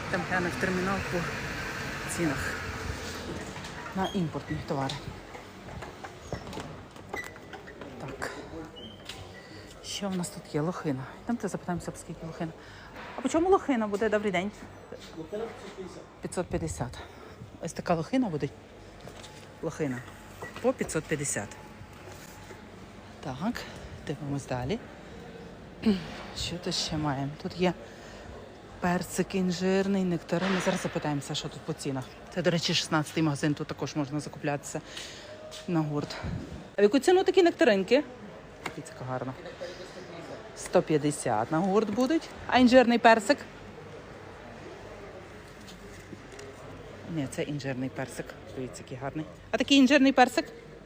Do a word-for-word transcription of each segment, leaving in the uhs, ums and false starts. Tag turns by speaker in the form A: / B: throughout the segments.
A: Там гляну в термінал по цінах на імпортні товари. Так. Що в нас тут є? Лохина. Йдемте запитаємося, по скільки лохина. А по чому лохина буде? Добрий день. п'ятсот п'ятдесят. Ось така лохина буде. Лохина. По п'ятсот п'ятдесят. Так, дивимось далі. Що тут ще маємо? Тут є перцик інжирний, нектарин. Зараз запитаємося, що тут по цінах. Це, до речі, шістнадцятий магазин, тут також можна закуплятися на гурт. А в яку ціну такі нектаринки? Дивіться, гарно. сто п'ятдесят на гурт будуть. А інжирний персик? Ні, це інжирний персик. Дивіться, який гарний. А такий інжирний персик?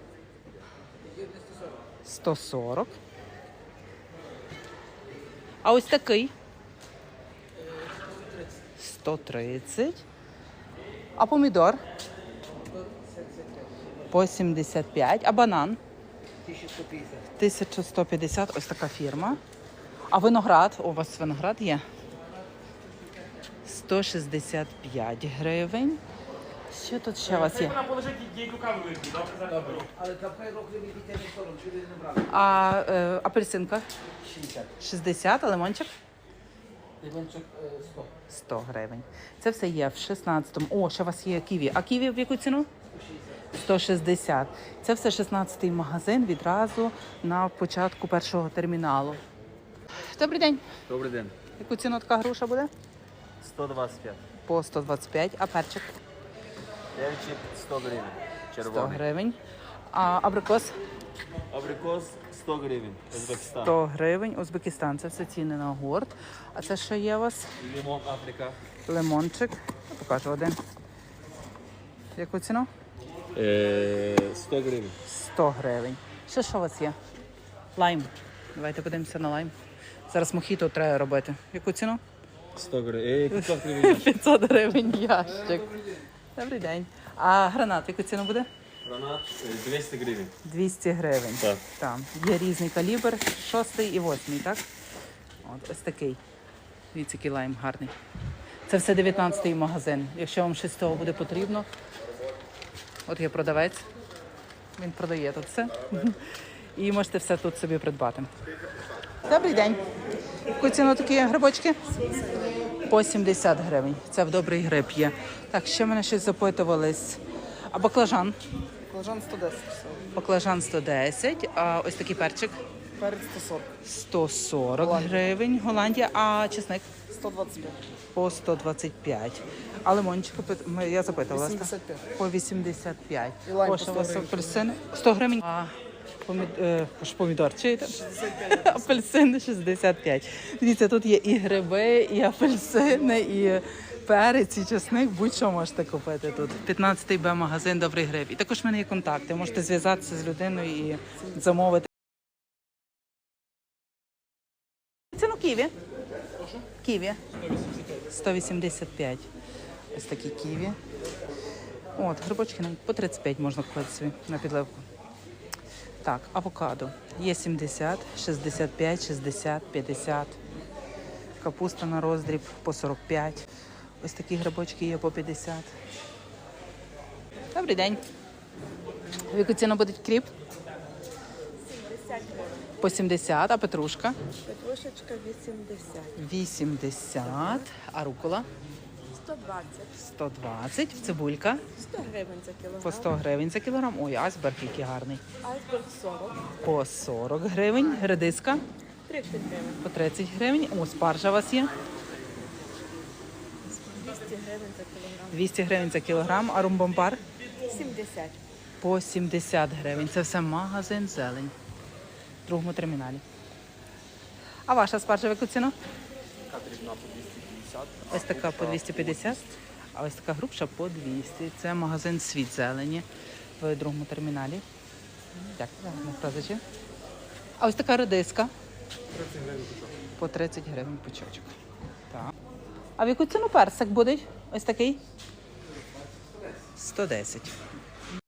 A: сто сорок. А ось такий? сто тридцять. А помідор? По сімдесят п'ять. А банан? тисяча сто п'ятдесят. Ось така фірма. А виноград? У вас виноград є? сто шістдесят п'ять гривень. Що тут ще у вас є? А е, апельсинка? шістдесят, а лимончик?
B: Лимончик сто.
A: сто гривень. Це все є в шістнадцятому. О, ще у вас є ківі. А ківі в яку ціну? сто шістдесят. Це все шістнадцятий магазин відразу на початку першого терміналу. Добрий день.
B: Добрий день.
A: Яку ціну така груша буде?
B: сто двадцять п'ять.
A: По сто двадцять п'ять. А перчик?
B: Перчик сто гривень.
A: сто
B: Червоний.
A: гривень. А абрикос?
B: Абрикос сто гривень. Узбекистан.
A: сто гривень. Узбекистан. Це все ціни на гурт. А це що є у вас?
B: Лимон Африка.
A: Лимончик. Я покажу один. Яку ціну?
B: Е, сто гривень.
A: сто гривень. Ще що у вас є? Лайм. Давайте подивимося на лайм. Зараз мохіто треба робити. Яку ціну?
B: сто гривень. Е, п'ятсот гривень.
A: п'ятсот гривень ящик. Добрий день. А гранат яку ціну буде?
B: Гранат е, двісті гривень.
A: двісті гривень.
B: Так.
A: Там є різний калібр, шостий і восьмий, так? От ось такий. Дивіться, який лайм гарний. Це все дев'ятнадцятий магазин. Якщо вам щось з того буде потрібно. От є продавець. Він продає тут все. І можете все тут собі придбати. Добрий день. Яку ціну такі грибочки? По сімдесят гривень. Це в добрий гриб є. Так, ще мене щось запитувались. А баклажан?
C: Баклажан сто десять.
A: Баклажан сто десять. А ось такий перчик?
C: Перець сто сорок.
A: сто сорок гривень. Голландія. А чесник?
C: сто двадцять п'ять.
A: По сто двадцять п'ять. А лимончик, ми- я запитувала.
C: вісімдесят п'ять.
A: По вісімдесят п'ять.
C: І лайм
A: О,
C: по
A: що у
C: сто
A: вас
C: гривень.
A: апельсин? сто гривень. А помід... е, ж помідор, чи це? Апельсини шістдесят п'ять. Дивіться, тут є і гриби, і апельсини, і перець, і чесник. Будь-що можете купити тут. п'ятнадцятий Б магазин «Добрий гриб». І також в мене є контакти. Можете зв'язатися з людиною і замовити. Ціну ківі? Ківі. сто вісімдесят п'ять. Ось такі ківі. От, грибочки нам по тридцять п'ять можна купити собі на підливку. Так, авокадо. Є сімдесят, шістдесят п'ять, шістдесят, п'ятдесят. Капуста на роздріб по сорок п'ять. Ось такі грибочки є по п'ятдесят. Добрий день. В яку ціну буде кріп? По сімдесят, а петрушка?
D: Петрушечка вісімдесят.
A: вісімдесят. А рукола?
D: сто двадцять.
A: сто двадцять. Цибулька?
D: сто гривень за кілограм.
A: По сто гривень за кілограм. Ой, айсберг який гарний.
D: Айсберг сорок.
A: По сорок гривень. Редиска?
D: тридцять гривень.
A: По тридцять гривень. О, спаржа у вас є?
D: двісті гривень за кілограм.
A: двісті гривень за кілограм. А румбомбар?
D: сімдесят.
A: По сімдесят гривень. Це все магазин «Зелень» в другому терміналі. А ваша спаржа в яку ціну? Ось така по двісті п'ятдесят, а ось така грубша по двісті. Це магазин «Світ зелені» в другому терміналі. Дякую, гарних продажів. А ось така редиска? По тридцять гривень пучочок. Так. А в яку ціну персик буде? Ось такий? сто десять.